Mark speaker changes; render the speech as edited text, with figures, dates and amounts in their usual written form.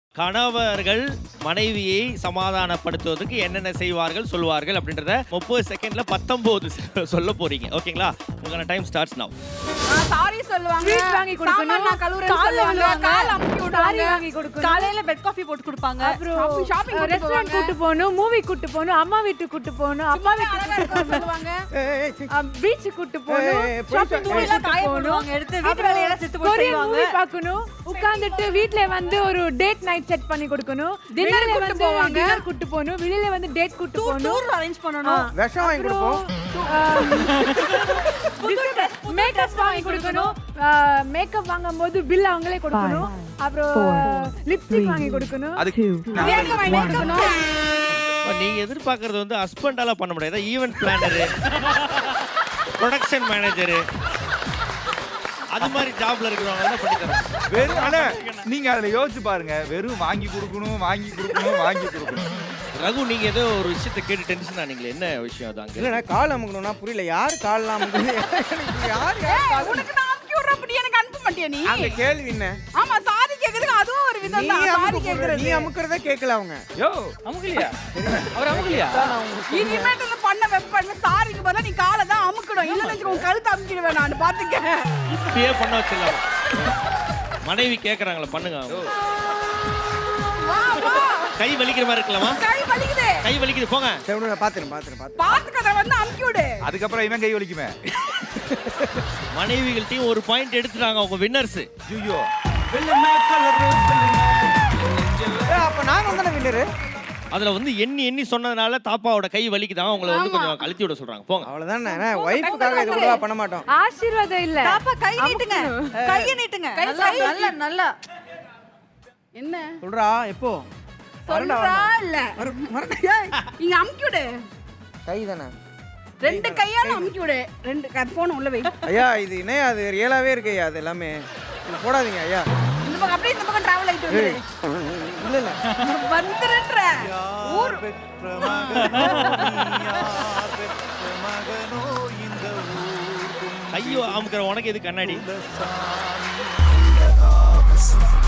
Speaker 1: கணவர்கள் மனைவியை சமாதானப்படுத்துவதற்கு என்னென்ன செய்வார்கள் சொல்வார்கள் அப்படின்றத 30 செகண்ட்ல 19 சொல்ல போறீங்க. ஓகேங்களா? உங்களோட டைம் ஸ்டார்ட்ஸ் நவ.
Speaker 2: சாரி சொல்லுவாங்க.
Speaker 3: ஸ்வீட் வாங்கி கொடுக்கணும்.
Speaker 2: சாமான் நான் கழுவுறேன்னு சொல்லுவாங்க. கால் அமுக்கி விடுவாங்க.
Speaker 3: சாரி வாங்கி கொடுக்கணும்.
Speaker 2: காலையில பெட் காஃபி போட்டு கொடுப்பாங்க.
Speaker 3: அப்புறம்
Speaker 2: ஷாப்பிங்
Speaker 3: ரெஸ்டாரன்ட் கூட்டி போகணும், மூவி கூட்டி போகணும், அம்மா வீட்டுக்கு கூட்டி போகணும், அப்பா வீட்டுக்கு
Speaker 2: சொல்லுவாங்க.
Speaker 3: பீச் கூட்டி போகணும், ஷாப்பிங்
Speaker 2: எல்லாம் காய போடுவாங்க. எடுத்து வீட்டு வேலையெல்லாம் செத்து போட்டு செய்வாங்க.
Speaker 3: மூவி பார்க்கணும், உட்கார்ந்துட்டு வீட்ல வந்து ஒரு டேட் நைட் செட் பண்ணி கொடுக்கணும்,
Speaker 2: டின்னர் கூட்டி போவாங்க,
Speaker 3: டின்னர் கூட்டி போகணும், வெளியில வந்து டேட் கூட்டி போகணும்,
Speaker 2: டூர் அரேஞ்ச் பண்ணனும்,
Speaker 4: விஷம் வாங்கி கொடுப்போம்,
Speaker 3: மேக்கப் வாங்கி கொடுக்கணும், மேக்கப் வாங்கும்போது பில் அவங்களே கொடுக்கணும், அப்புறம் லிப்ஸ்டிக் வாங்கி கொடுக்கணும்,
Speaker 2: பிரியாணி வாங்கி கொடுக்கணும்.
Speaker 1: நீங்க எதிர்பார்க்கறது வந்து ஹஸ்பண்டால பண்ண முடியாது. ஈவென்ட் பிளானரு, ப்ரொடக்ஷன் மேனேஜர், அது மாதிரி ஜாப்ல இருக்கிறவங்க தான் பண்ணி தராங்க.
Speaker 5: வெறும் ஆனா நீங்க அதுல யோசிச்சு பாருங்க. வெறும் வாங்கி கொடுக்கணும்.
Speaker 1: ரகு, நீங்க ஏதோ ஒரு விஷயத்தை கேட்டு டென்ஷன் ஆனீங்களே, என்ன விஷயம் அது? அங்க
Speaker 4: இல்லைண்ணா கால் அமுக்கணும்னா புரியல. யார் கால் அமுக்குது? யார்
Speaker 2: உனக்கு நான் அமுக்கி விடுற அப்படி எனக்கு அனுப்ப மாட்டியா நீ?
Speaker 4: அந்த கேள்வி என்ன?
Speaker 2: ஆமா, சாரி கேக்குறதுக்கு அதுவும் ஒரு விதம் தான். சாரி கேக்குறது
Speaker 4: நீ அமுக்குறதே கேட்கல அவங்க.
Speaker 5: யோ
Speaker 1: அமுக்கலையா? அவர் அமுக்கலையா?
Speaker 2: இனிமேட்டு இந்த பண்ண வெப்பன்னு சாரிக்கு பதிலா நீ காலை தான் அமுக்கணும். இல்லன்னு உன் கழுத்தை அமுக்கிடுவேன் நான். பாத்துக்க,
Speaker 1: இப்பயே பண்ண வச்சிடலாம். மனைவி கேக்குறாங்களா, பண்ணுங்க.
Speaker 2: வா வா.
Speaker 1: கை வலிக்கிற மாதிரி இருக்கலாமா?
Speaker 2: கை வலிக்குது.
Speaker 1: கை வலிக்குது, போங்க.
Speaker 4: சரி பாத்துறேன்.
Speaker 2: பாத்துக்கத வந்து அமுக்கி விடு.
Speaker 5: அதுக்கப்புறம் இவன் கை வலிக்குமே.
Speaker 1: மனைவிகள்ட்டையும் ஒரு பாயிண்ட் எடுத்துட்டாங்க அவங்க வின்னர்ஸ்.
Speaker 5: ஐயோ,
Speaker 4: அப்ப நாங்க தானே வின்னரு.
Speaker 1: அதுல வந்து எண்ணி சொன்னதுனால தாப்பாவோட கை வலிக்குதான், உங்களை வந்து கொஞ்சம் கழுத்தி விட சொல்றாங்க. போங்க.
Speaker 4: அவ்வளவுதானே. வைஃப்காக இது கூட பண்ண மாட்டோம்.
Speaker 3: ஆசீர்வாதம் இல்ல.
Speaker 2: தாப்பா கை நீட்டுங்க. கையை நீட்டுங்க. நல்லா. என்ன
Speaker 4: சொல்றா எப்போ?
Speaker 2: சொல்றா இல்ல. இங்க அமுக்கி விடு.
Speaker 4: கை தானே.
Speaker 2: ரெண்டு கையால அமுக்கி விடு. ரெண்டு போன் உள்ள வை.
Speaker 4: ஐயா இது என்ன? அது ரியலாவே இருக்கு ஐயா. அது எல்லாமே இது போடாதீங்க ஐயா.
Speaker 2: இந்த பக்கம் அப்படியே இந்த பக்கம் டிராவல் ஆயிட்டு வந்துரு.
Speaker 4: இல்ல
Speaker 2: வந்துறன்ற ஊர்
Speaker 1: ஐயோ அமுக்கிற உனக்கு எது கண்ணாடி?